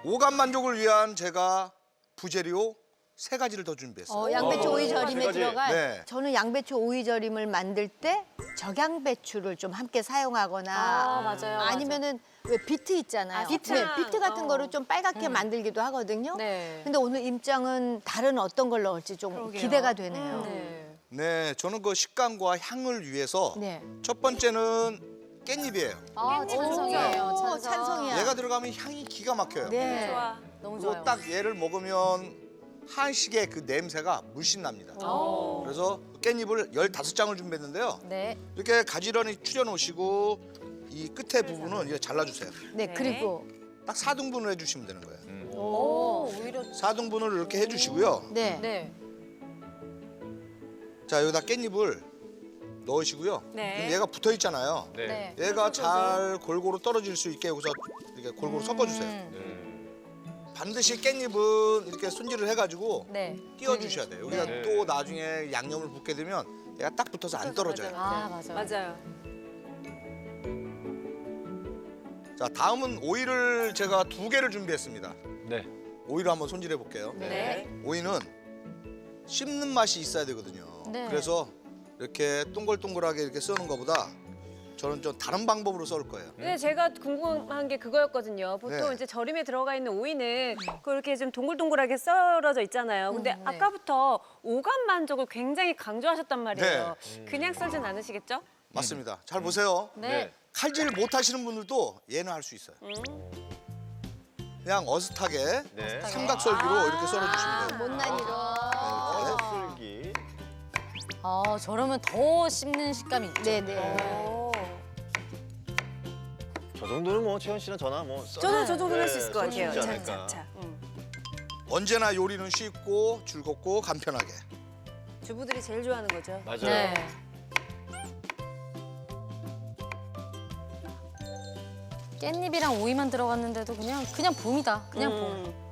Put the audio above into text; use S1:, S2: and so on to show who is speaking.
S1: 오감 만족을 위한 제가 부재료 3가지를 더 준비했어요.
S2: 양배추 오이 절임에
S3: 가지.
S2: 들어갈.
S1: 네.
S2: 저는 양배추 오이 절임을 만들 때 적양배추를 좀 함께 사용하거나
S4: 맞아요.
S2: 아니면은 왜 비트 있잖아요.
S4: 비트.
S2: 네, 비트 같은 거를 좀 빨갛게 만들기도 하거든요.
S4: 네.
S2: 근데 오늘 임장은 다른 어떤 걸 넣을지 좀 기대가 되네요.
S4: 네.
S1: 네, 저는 그 식감과 향을 위해서
S2: 네.
S1: 첫 번째는 깻잎이에요.
S4: 찬성이에요.
S2: 오, 찬성이야.
S1: 얘가 들어가면 향이 기가 막혀요.
S2: 네.
S4: 좋아. 너무
S1: 그리고
S4: 좋아요.
S1: 딱 얘를 먹으면 한식의 그 냄새가 물씬 납니다. 그래서 깻잎을 15장을 준비했는데요.
S4: 네.
S1: 이렇게 가지런히 추려 놓으시고 이 끝에 부분은 이렇게 잘라주세요.
S2: 네, 그리고
S1: 딱 4등분을 해주시면 되는 거예요.
S4: 오, 오히려.
S1: 4등분을 이렇게 해주시고요.
S2: 네.
S4: 네.
S1: 자, 여기다 깻잎을 넣으시고요.
S4: 네.
S1: 그럼 얘가 붙어 있잖아요.
S4: 네.
S1: 얘가 잘 골고루 떨어질 수 있게 여기서 이렇게 골고루 섞어주세요. 반드시 깻잎은 이렇게 손질을 해가지고
S4: 네.
S1: 띄워주셔야 돼요. 여기다
S4: 네.
S1: 또 나중에 양념을 붓게 되면 얘가 딱 붙어서 안 떨어져요.
S4: 아, 맞아요.
S5: 맞아요.
S1: 자, 다음은 오이를 제가 2개를 준비했습니다.
S3: 네.
S1: 오이를 한번 손질해 볼게요.
S4: 네.
S1: 오이는 씹는 맛이 있어야 되거든요.
S4: 네.
S1: 그래서 이렇게 동글동글하게 이렇게 써는 것보다 저는 좀 다른 방법으로 썰 거예요.
S5: 근데 제가 궁금한 게 그거였거든요. 보통
S1: 네.
S5: 이제 절임에 들어가 있는 오이는 그렇게 좀 동글동글하게 썰어져 있잖아요. 근데
S4: 네.
S5: 아까부터 오감 만족을 굉장히 강조하셨단 말이에요.
S1: 네.
S5: 그냥 썰진 않으시겠죠?
S1: 맞습니다. 잘 보세요.
S4: 네.
S1: 칼질 못 하시는 분들도 얘는 할 수 있어요. 그냥 어슷하게
S3: 네.
S1: 삼각썰기로 이렇게 썰어주시면 돼요.
S2: 못난 이로.
S3: 쓸기.
S4: 저러면 더 씹는 식감이 있죠.
S2: 네네.
S3: 저 정도는 뭐 채연 씨나 저나 뭐.
S5: 저도 저 정도는 할 수 있을 것
S3: 썰수
S5: 같아요.
S3: 있지 않을까.
S5: 자.
S1: 언제나 요리는 쉽고 즐겁고 간편하게.
S5: 주부들이 제일 좋아하는 거죠.
S3: 맞아요.
S4: 네. 깻잎이랑 오이만 들어갔는데도 그냥 봄이다. 그냥 봄.